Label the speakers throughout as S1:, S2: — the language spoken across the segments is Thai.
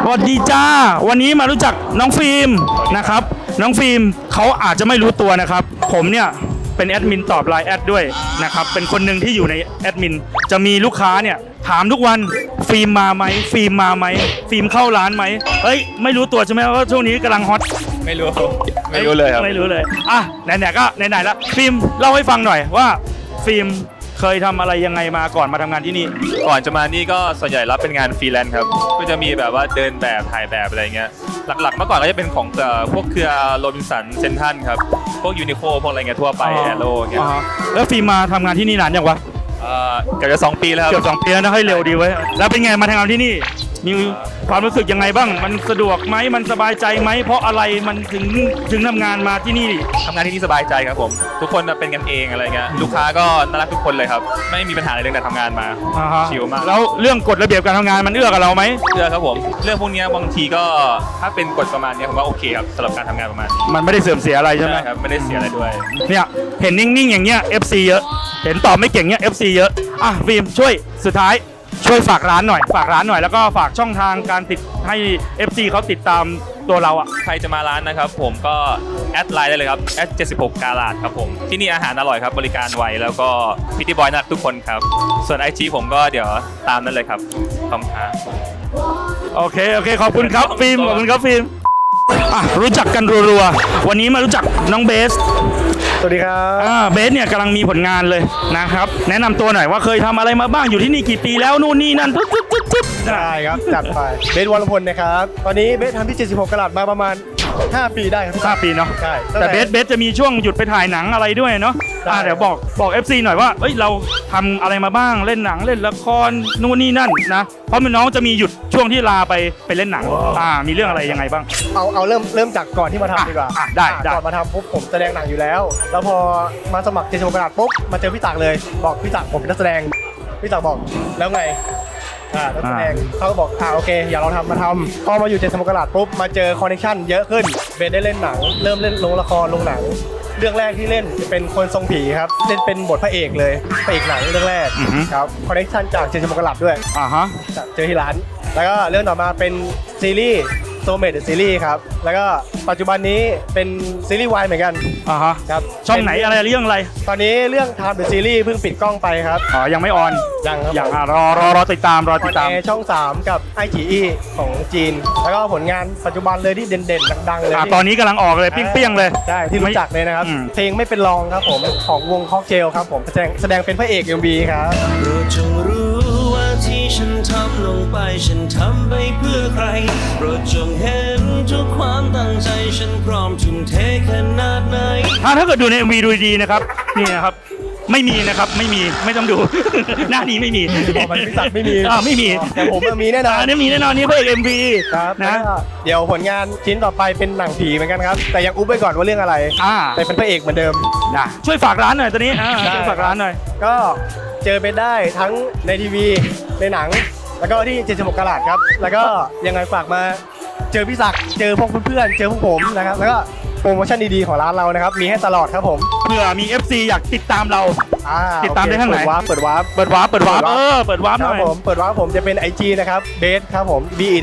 S1: วัสดีจ้าวันนี้มารู้จักน้องฟิล์มนะครับน้องฟิล์มเขาอาจจะไม่รู้ตัวนะครับผมเนี่ยเป็นแอดมินตอบไลน์แอดด้วยนะครับเป็นคนหนึ่งที่อยู่ในแอดมินจะมีลูกค้าเนี่ยถามทุกวันฟิล์มมาไหมฟิล์มมาไหมฟิล์มเข้าร้านไหมเอ้ยไม่รู้ตัวใช่ไหมว่าช่วงนี้กำลังฮอต
S2: ไม่รู้เลยครับ
S1: ไม่รู้เลยอ่ะไหนๆก็ไหนๆแล้วฟิล์มเล่าให้ฟังหน่อยว่าฟิล์มเคยทำอะไรยังไงมาก่อนมาทำงานที่นี่
S2: ก่อนจะมานี่ก็ส่วนใหญ่รับเป็นงานฟรีแลนซ์ครับก็จะมีแบบว่าเดินแบบถ่ายแบบอะไรเงี้ยหลักๆเมื่อก่อนก็จะเป็นของพวกเครือโรบินสันเซนทันครับพวกยูนิโคพวกอะไรเงี้ยทั่วไปแอโร่เงี้ย
S1: แล้วฟิล์มมาทำงานที่นี่นานยังวะ
S2: เกือบจะ2 ปีแล้วครับ
S1: เกือบ2 ปีแล้วนะให้เร็วดีไว้แล้วเป็นไงมาทำงานที่นี่มีความรู้สึกยังไงบ้างมันสะดวกไหมมันสบายใจไหมเพราะอะไรมันถึงทำงานมาที่นี่
S2: ทำงานที่นี่สบายใจครับผมทุกคนเป็นกันเองอะไรเงี้ยลูกค้าก็น่ารักทุกคนเลยครับไม่มีปัญหาอะไรเรื่องการทำงานมาชิลมาก
S1: แล้วเรื่องกฎระเบียบการทำงานมันเอื้อกับเราไหม
S2: เอื้อครับผมเรื่องพวกนี้บางทีก็ถ้าเป็นกฎประมาณนี้ผมว่าโอเคครับสำหรับการทำงานประมาณ
S1: มันไม่ได้เสื่อมเสียอะไรใช่ไหม
S2: ครับไม่ได้เสียอะไรด้วย
S1: เนี่ยเห็นนิ่งๆอย่างเงี้ย FC เยอะเห็นตอบไม่เก่งเงี้ย FC เยอะอ่ะฟิล์มช่วยสุดท้ายช่วยฝากร้านหน่อยแล้วก็ฝากช่องทางการติดให้ FC เขาติดตามตัวเราอ่ะ
S2: ใครจะมาร้านนะครับผมก็แอดไลน์ได้เลยครับ76กาลาดครับผมที่นี่อาหารอร่อยครับบริการไวแล้วก็พิตตี้บอยน่ารักทุกคนครับส่วน IG ผมก็เดี๋ยวตามนั้นเลยครับขอบคุณครับ
S1: โอเคขอบคุณครับฟิล์มขอบคุณครับฟิล์มรู้จักกันรัวๆวันนี้มารู้จักน้องเบส
S3: สวัสดีครับ
S1: เบสเนี่ยกำลังมีผลงานเลยนะครับแนะนำตัวหน่อยว่าเคยทำอะไรมาบ้างอยู่ที่นี่กี่ปีแล้วนู่นนี่นั่นปึ๊บ
S3: ได้ครับจัดไปเบสวรพลนะครับตอนนี้เบสทำที่76กะรัตมาประมาณ5 ปีได้ครับ
S1: 5 ปีเนาะ
S3: ใช่
S1: แต่เบสจะมีช่วงหยุดไปถ่ายหนังอะไรด้วยเนาะเดี๋ยวบอก FC หน่อยว่าเอ้ยเราทำอะไรมาบ้างเล่นหนังเล่นละครนู่นนี่นั่นนะเพราะน้องจะมีหยุดช่วงที่ลาไปเล่นหนังมีเรื่องอะไรยังไงบ้าง
S3: เอาเริ่มจากก่อนที่มาทำดีกว่า
S1: ได้
S3: ก่อนมาทำปุ๊บผมแสดงหนังอยู่แล้วแล้วพอมาสมัคร76กะรัตปุ๊บมาเจอพี่ตักเลยบอกพี่ตักผมเป็นนักแสดงพี่ตักบอกแล้วไงนักแสดงเขาก็บอกโอเคอย่าเรามาทำพอมาอยู่76กะรัตปุ๊บมาเจอคอนเนคชั่นเยอะขึ้นเบสได้เล่นหนังเริ่มเล่นลงละครลงหนังเรื่องแรกที่เล่นเป็นคนทรงผีครับเล่นเป็นบทพระเอกเลยพระเอกหนังเรื่องแรกครับคอนเนคชั่นจาก76กะรัตด้วยเจอที่ร้านแล้วก็เรื่องต่อมาเป็นซีรีส์โซเมดซีรีส์ครับแล้วก็ปัจจุบันนี้เป็นซีรีส์วายเหมือนกัน
S1: ครับช่องไหนอะไรเรื่องอะไร
S3: ตอนนี้เรื่องทำเป็นซีรีส์เพิ่งปิดกล้องไปครับ
S1: ยังไม่ออน
S3: ยัง
S1: รอติดตาม
S3: ช่อง3กับไอจีอีของจีนแล้วก็ผลงานปัจจุบันเลยที่เด่นๆดังๆเลย
S1: ตอนนี้กำลังออกเลยเปี้ยงๆเลย
S3: ใช่ที่รู้จักเลยนะครับเพลงไม่เป็นรองครับผมของวงค็อกเทลครับผมแสดงเป็นพระเอก MV ครับ
S4: จงรู้ว่าที่ฉันทำลงไปฉันทำไปเพื่อใครโปรดจงเห็นทุกความตั้งใจฉันพร้อมทุ่มเทขนาดไหน
S1: ถ้าเกิดดูใน MV ดูดีนะครับนี่นะครับไม่มีนะครับไม่ต้องดู หน้านี้ไม่มี
S3: พี่ศักดิ์ไม่มี
S1: ไม่มี
S3: แต่ผมมีแน่นอน
S1: มีแน่นอนนี่เพื่อ MV
S3: ครับนะเดี๋ยวผลงานชิ้นต่อไปเป็นหนังผีเหมือนกันครับแต่ยังอุ๊บไว้ก่อนว่าเรื่องอะไรแต่เป็นพระเอกเหมือนเดิม
S1: ช่วยฝากร้านหน่อยตอนนี้ช่วยฝากร้านหน่อย
S3: ก็เจอเป็นได้ทั้งในทีวีในหนังแล้วก็ที่76กะรัตครับแล้วก็ยังไงฝากมาเจอพี่ศักดิ์เจอพวกเพื่อนเจอพวกผมนะครับแล้วก็โปรโมชั่นดีๆของร้านเรานะครับมีให้ตลอดครับผม
S1: เผื่อมี FC อยากติดตามเราติดตามได้ทางไหน
S3: เปิดวาร์ป
S1: หน่อยเปิดวาร์ป
S3: ผมจะเป็น IG นะครับเบสครับผม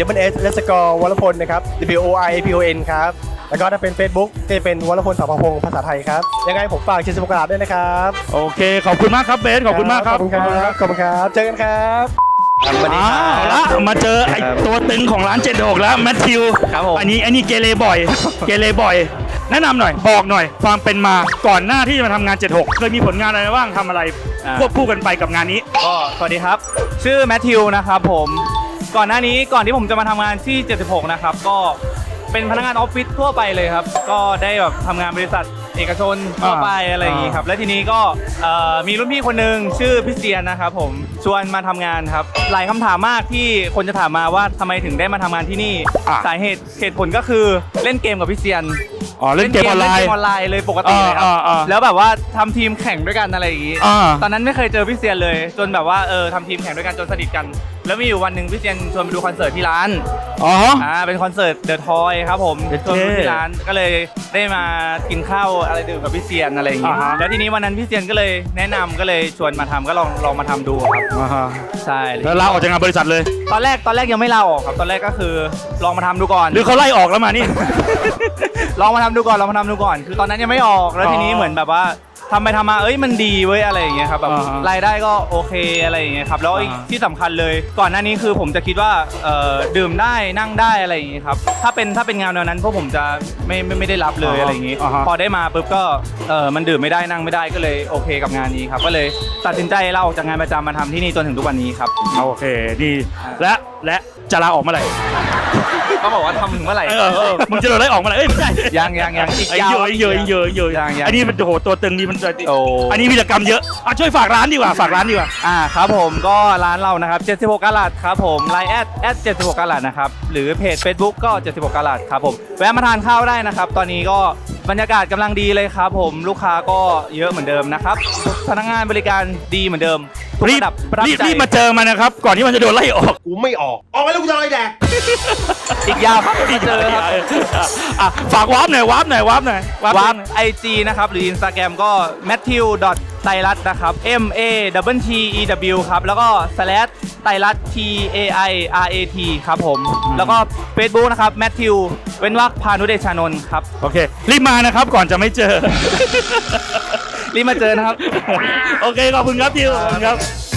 S3: BESS_วรพลนะครับ WORPON ครับแล้วก็ถ้าเป็น Facebook จะเป็นวรพล สภพงศ์ภาษาไทยครับยังไงผมฝาก76กะรัตด้วยนะครับ
S1: โอเคขอบคุณมากครับเบสขอบคุณมากครับ
S3: ขอบคุณครับเจอกันครับ
S1: มาเจอไอตัวตึงของร้าน76แล้วแมทธิวอันนี้เกเรบ่อยแนะนำหน่อยบอกหน่อยความเป็นมาก่อนหน้าที่จะมาทำงาน76เคยมีผลงานอะไรบ้างทำอะไรควบคู่กันไปกับงานนี้
S5: ก็สวัสดีครับชื่อแมทธิวนะครับผมก่อนที่ผมจะมาทำงานที่76นะครับก็เป็นพนักงานออฟฟิศทั่วไปเลยครับก็ได้แบบทำงานบริษัทเอกชนทั่วไปอะไรอย่างนี้ครับและทีนี้ก็มีรุ่นพี่คนหนึ่งชื่อพี่เซียนนะครับผมชวนมาทำงานครับหลายคำถามมากที่คนจะถามมาว่าทำไมถึงได้มาทำงานที่นี่สาเหตุผลก็คือเล่นเกมกับพี่เซียน
S1: เล่นเกมออนไ
S5: ลน์เลยปกติเลยครับแล้วแบบว่าทำทีมแข่งด้วยกันอะไรอย่างนี้ตอนนั้นไม่เคยเจอพี่เซียนเลยจนแบบว่าทำทีมแข่งด้วยกันจนสนิทกันแล้วมีอยู่วันหนึ่งพี่เซียนชวนไปดูคอนเสิร์ตที่ร้าน
S1: อ๋อ
S5: เป็นคอนเสิร์ตเดอะทอยครับผม
S1: เท่
S5: ชวนไปดูที่ร้านก็เลยได้มากินข้าวอะไรดื่มกับพี่เซียนอะไรอย่างงี้
S1: อ่าฮะ
S5: แล้วทีนี้วันนั้นพี่เซียนก็เลยแนะนำก็เลยชวนมาทำก็ลองมาทำดูครับ
S1: อ่าฮะ
S5: ใช่
S1: แล้วลาออกจากงานบริษัทเลย
S5: ตอนแรกยังไม่ลาออกครับตอนแรกก็คือลองมาทำดูก่อน
S1: หรือเขาไล่ออกแล้วมานี่
S5: ลองมาทำดูก่อนคือตอนนั้นยังไม่ออกแล้วทีนี้
S1: อ๋อ
S5: เหมือนแบบว่าทำไปทำมามันดีเว้ยอะไรอย่างเงี้ยครับแบบ
S1: อ่าฮะ
S5: รายได้ก็โอเคอะไรอย่างเงี้ยครับแล้ว
S1: อ่าฮะ
S5: ที่สำคัญเลยก่อนหน้านี้คือผมจะคิดว่าดื่มได้นั่งได้อะไรอย่างเงี้ยครับถ้าเป็นงานแนวนั้นพวกผมจะไม่ได้รับเลยอะไรอย่างงี้
S1: อ่าฮะ
S5: พอได้มาปุ๊บก็มันดื่มไม่ได้นั่งไม่ได้ก็เลยโอเคกับงานนี้ครับก็เลยตัดสินใจลาออกจากงานประจำมาทำที่นี่จนถึงทุกวันนี้ครับ
S1: โอเคดีและจะลาออกเมื่อไหร่
S5: ก็บอกว่าทำถึงเมื่อไหร่
S1: มึงจะโดนไล่ออกเมื่อไหร่เอ้ยไม่ใช่
S5: ยังอีก
S1: ไอ้
S5: ยาว
S1: เยอะ
S5: ยัง
S1: อันนี้มันโอ้โหตัวตึงนี่มัน
S5: โอ้
S1: อันนี้วีรกรรมเยอะอ่ะช่วยฝากร้านดีกว่า
S5: ครับผมก็ร้านเรานะครับ76กะรัตครับผมไลน์แอด76กะรัตนะครับหรือเพจ Facebook ก็76กะรัตครับผมแวะมาทานข้าวได้นะครับตอนนี้ก็บรรยากาศกำลังดีเลยครับผมลูกค้าก็เยอะเหมือนเดิมนะครับพนักงานบริการดีเหมือนเดิมทุก
S1: รีบ
S5: ระดับประทับใจ
S1: รีบมาเจอมันนะครับ ก่อนที่มันจะโดนไล่ออก
S3: กูไม่ออกออกไปแล้วกูจะอะไรแดก
S5: อีกยาวครับมาเจอครับ
S1: อ่ะฝากวาร์ปหน่อยวาร์ปหน่อยวาร์ป
S5: วาร์ป IG นะครับหรือ Instagram ก็ matthew ไตรรัตน์นะครับ MATTEW ครับแล้วก็ ไตรรัตน์ TAIRAT ครับผมแล้วก็ Facebook นะครับ Matthew เว้นวรรคพานุเดชานนท์ครับ
S1: โอเค รีบมานะครับก่อนจะไม่เจอ
S5: รีบมาเจอนะครับ
S1: โอเค ขอบคุณครับทิวขอบคุณครับ